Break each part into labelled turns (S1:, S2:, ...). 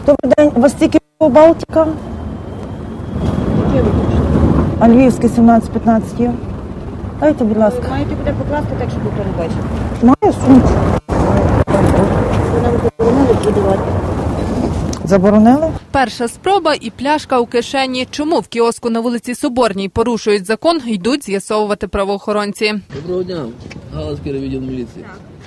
S1: Добрий день. У вас тільки Балтика? А Львівське 17-15 є? Дайте, будь ласка.
S2: Маєте буде покласти так, щоб ніхто не бачив.
S1: Маю сумку.
S2: Ви нам заборонили продавати.
S1: Заборонили?
S3: Перша спроба і пляшка у кишені. Чому в кіоску на вулиці Соборній порушують закон, йдуть з'ясовувати правоохоронці.
S4: Доброго дня, Галицький райвідділ міліції.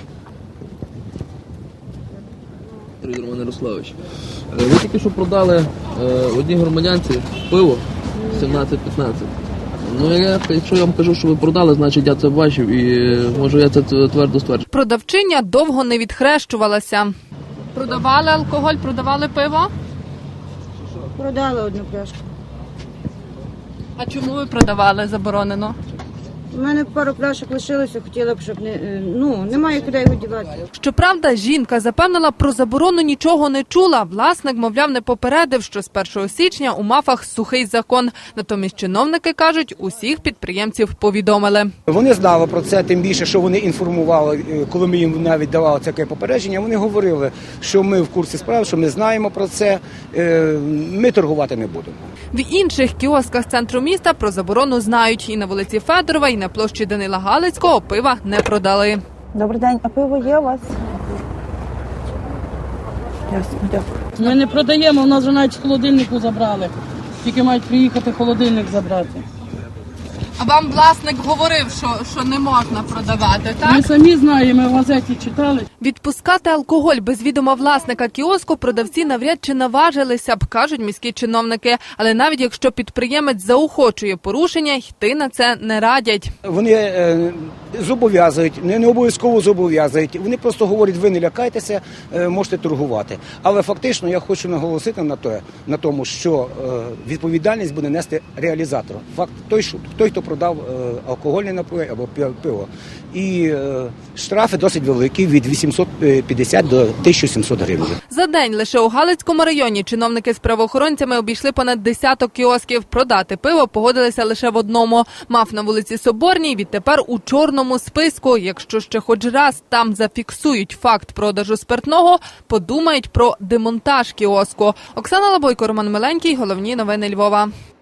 S4: Роман Ярославович. Ви тільки що продали одній громадянці пиво 17-15. Ну, якщо я вам кажу, що ви продали, значить я це бачив і можу я це твердо стверджую.
S3: Продавчиня довго не відхрещувалася. Продавали алкоголь, продавали пиво?
S2: Продали одну пляшку.
S3: А чому ви продавали заборонено?
S2: У мене пару пляшок лишилося, хотіла б, щоб немає куди його дівати.
S3: Щоправда, жінка запевнила, про заборону нічого не чула. Власник, мовляв, не попередив, що з 1 січня у МАФах сухий закон. Натомість чиновники кажуть, усіх підприємців повідомили.
S5: Вони знали про це, тим більше, що вони інформували, коли ми їм навіть давали таке попередження, вони говорили, що ми в курсі справ, що ми знаємо про це, ми торгувати не будемо.
S3: В інших кіосках центру міста про заборону знають. І на вулиці Федорова, і на площі Данила Галицького пива не продали.
S1: Добрий день. А пиво є у вас? Ясно, дякую.
S6: Ми не продаємо, у нас вже навіть з холодильнику забрали. Тільки мають приїхати холодильник забрати.
S3: А вам власник говорив, що не можна продавати, так?
S6: Ми самі знаємо, ми в газеті читали.
S3: Відпускати алкоголь без відома власника кіоску продавці навряд чи наважилися б, кажуть міські чиновники. Але навіть якщо підприємець заохочує порушення, йти на це не радять.
S5: Вони зобов'язують, не обов'язково зобов'язують, вони просто говорять, ви не лякайтеся, можете торгувати. Але фактично я хочу наголосити на тому, що відповідальність буде нести реалізатор. Факт той, хто продав алкогольний напій або пиво. І штрафи досить великі, від 850 до 1700 гривень.
S3: За день лише у Галицькому районі чиновники з правоохоронцями обійшли понад десяток кіосків. Продати пиво погодилися лише в одному. МАФ на вулиці Соборній відтепер у чорному списку. Якщо ще хоч раз там зафіксують факт продажу спиртного, подумають про демонтаж кіоску. Оксана Лабойко, Роман Миленький. Головні новини Львова.